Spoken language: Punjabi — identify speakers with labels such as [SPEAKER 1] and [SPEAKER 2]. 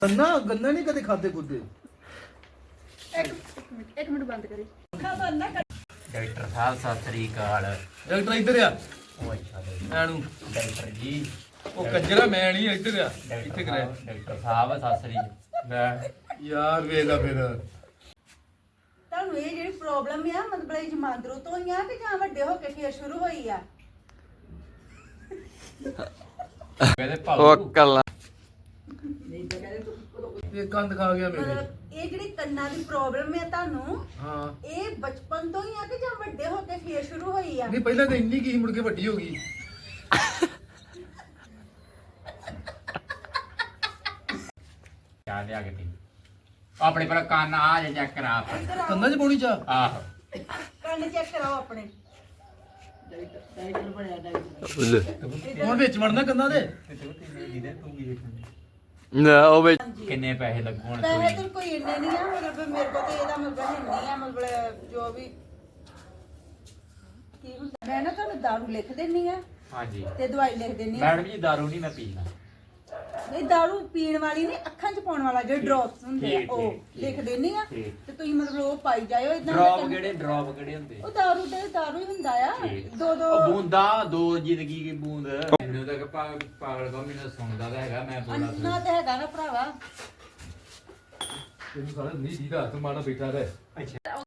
[SPEAKER 1] ਗੰਨਾ ਨਹੀਂ ਕਦੇ ਖਾਦੇ ਖੁੱਦੇ।
[SPEAKER 2] ਇੱਕ ਮਿੰਟ ਬੰਦ ਕਰੀ।
[SPEAKER 3] ਡਾਕਟਰ ਸਾਹਿਬ ਸਤਿ ਸ੍ਰੀ ਅਕਾਲ।
[SPEAKER 1] ਡਾਕਟਰ ਇੱਧਰ ਆ।
[SPEAKER 3] ਓਏ ਛੱਡ
[SPEAKER 1] ਐਨੂੰ
[SPEAKER 3] ਡਾਕਟਰ ਜੀ।
[SPEAKER 1] ਉਹ ਕੰਜਰਾ ਮੈਂ ਨਹੀਂ ਇੱਧਰ ਆ। ਇੱਥੇ ਕਰੇ
[SPEAKER 3] ਡਾਕਟਰ ਸਾਹਿਬ ਸਤਿ ਸ੍ਰੀ ਅਕਾਲ।
[SPEAKER 1] ਯਾਰ ਵੇਲਾ ਫਿਰ
[SPEAKER 2] ਤੁਹਾਨੂੰ ਇਹ ਜਿਹੜੀ ਪ੍ਰੋਬਲਮ ਆ ਮਤਲਬ ਇਹ ਜਮਾਂਦਰੂ ਤੋਂ ਹੀ ਆ ਕਿ ਜਾਂ ਵੱਡੇ ਹੋ ਕੇ ਫੇਰ ਸ਼ੁਰੂ ਹੋਈ ਆ?
[SPEAKER 3] ਕਹਿੰਦੇ ਭਾਉ
[SPEAKER 4] ਕੱਲਾ
[SPEAKER 1] ਇਹ ਕੰਦ ਖਾ ਗਿਆ ਮੇਰੇ।
[SPEAKER 2] ਮਤਲਬ ਇਹ ਜਿਹੜੀ ਕੰਨਾਂ ਦੀ ਪ੍ਰੋਬਲਮ ਆ ਤੁਹਾਨੂੰ,
[SPEAKER 1] ਹਾਂ
[SPEAKER 2] ਇਹ ਬਚਪਨ ਤੋਂ ਹੀ ਆ ਕਿ ਜਾਂ ਵੱਡੇ ਹੋ ਕੇ ਫੇਰ ਸ਼ੁਰੂ ਹੋਈ ਆ?
[SPEAKER 1] ਨਹੀਂ ਪਹਿਲਾਂ ਤਾਂ ਇੰਨੀ ਕੀ ਸੀ, ਮੁੜ ਕੇ ਵੱਡੀ ਹੋ ਗਈ।
[SPEAKER 3] ਚਾਹ ਲਿਆ ਕੇ ਪੀ। ਆਪਣੇ ਪਰ ਕੰਨ ਆ ਜਾ ਚੈੱਕ ਕਰਾ।
[SPEAKER 2] ਇੱਧਰ ਆਓ,
[SPEAKER 1] ਕੰਨਾਂ 'ਚ ਪਾਉਣੀ ਚਾਹ।
[SPEAKER 3] ਆਹੋ
[SPEAKER 2] ਕੰਨ ਚੈੱਕ ਕਰਾਓ ਆਪਣੇ।
[SPEAKER 1] ਹੁਣ ਵਿੱਚ ਵੜਨਾ ਕੰਨਾਂ ਦੇ।
[SPEAKER 4] ਨਾ ਉਹ ਵਿੱਚ
[SPEAKER 2] ਹਾਂਜੀ
[SPEAKER 3] ਕਿੰਨੇ ਪੈਸੇ ਲੱਗਣ?
[SPEAKER 2] ਪੈਸੇ ਤਾਂ ਕੋਈ ਇੰਨੇ ਨਹੀਂ ਆ, ਮਤਲਬ ਮੇਰੇ ਕੋਲ ਤੇ ਇਹਦਾ ਮਤਲਬ ਹੈ ਨਹੀਂ ਆ, ਮਤਲਬ ਜੋ ਵੀ ਕੀ ਹੁੰਦਾ। ਮੈਂ ਨਾ ਤੁਹਾਨੂੰ ਦਾਰੂ ਲਿਖ ਦਿੰਨੀ ਆ
[SPEAKER 3] ਹਾਂਜੀ
[SPEAKER 2] ਤੇ ਦਵਾਈ ਲਿਖ ਦਿੰਨੀ ਆ।
[SPEAKER 3] ਮੈਡਮ ਜੀ ਦਾਰੂ ਨਹੀਂ ਮੈਂ ਪੀਣਾ।
[SPEAKER 2] ਨਹੀਂ ਦਾਰੂ ਪੀਣ ਵਾਲੀ ਨਹੀਂ, ਅੱਖਾਂ 'ਚ ਪਾਉਣ ਵਾਲਾ ਜਿਹੜੇ ਡ੍ਰੌਪਸ ਹੁੰਦੇ ਆ
[SPEAKER 3] ਠੀਕ,
[SPEAKER 2] ਉਹ
[SPEAKER 3] ਠੀਕ,
[SPEAKER 2] ਲਿਖ ਦਿੰਨੀ ਆ
[SPEAKER 3] ਠੀਕ।
[SPEAKER 2] ਤੇ ਤੁਸੀਂ ਮਤਲਬ ਉਹ ਪਾਈ ਜਾਇਓ ਇਦਾਂ।
[SPEAKER 3] ਡ੍ਰੌਪ ਕਿਹੜੇ ਹੁੰਦੇ?
[SPEAKER 2] ਉਹ ਦਾਰੂ ਹੀ ਹੁੰਦਾ ਆ।
[SPEAKER 3] ਠੀਕ।
[SPEAKER 2] ਦੋ
[SPEAKER 3] ਉਹ ਬੂੰਦਾ ਦੋ ਜ਼ਿੰਦਗੀ ਕੀ ਬੂੰਦ। ਮੈਨੂੰ ਤਾਂ ਪਾਗਲ ਕੋ ਮੈਨੂੰ ਸੁਣਦਾ ਤਾਂ ਹੈਗਾ ਮੈਂ
[SPEAKER 2] ਅੰਨਾ ਤੇ ਹੈਗਾ ਨਾ ਭਰਾਵਾ।
[SPEAKER 1] ਤੈਨੂੰ ਸਾਰਾ ਨਹੀਂ ਦੀਦਾ ਤੂੰ ਮਾੜਾ ਬੈਠਾ ਰਹਿ।
[SPEAKER 3] ਅੱਛਾ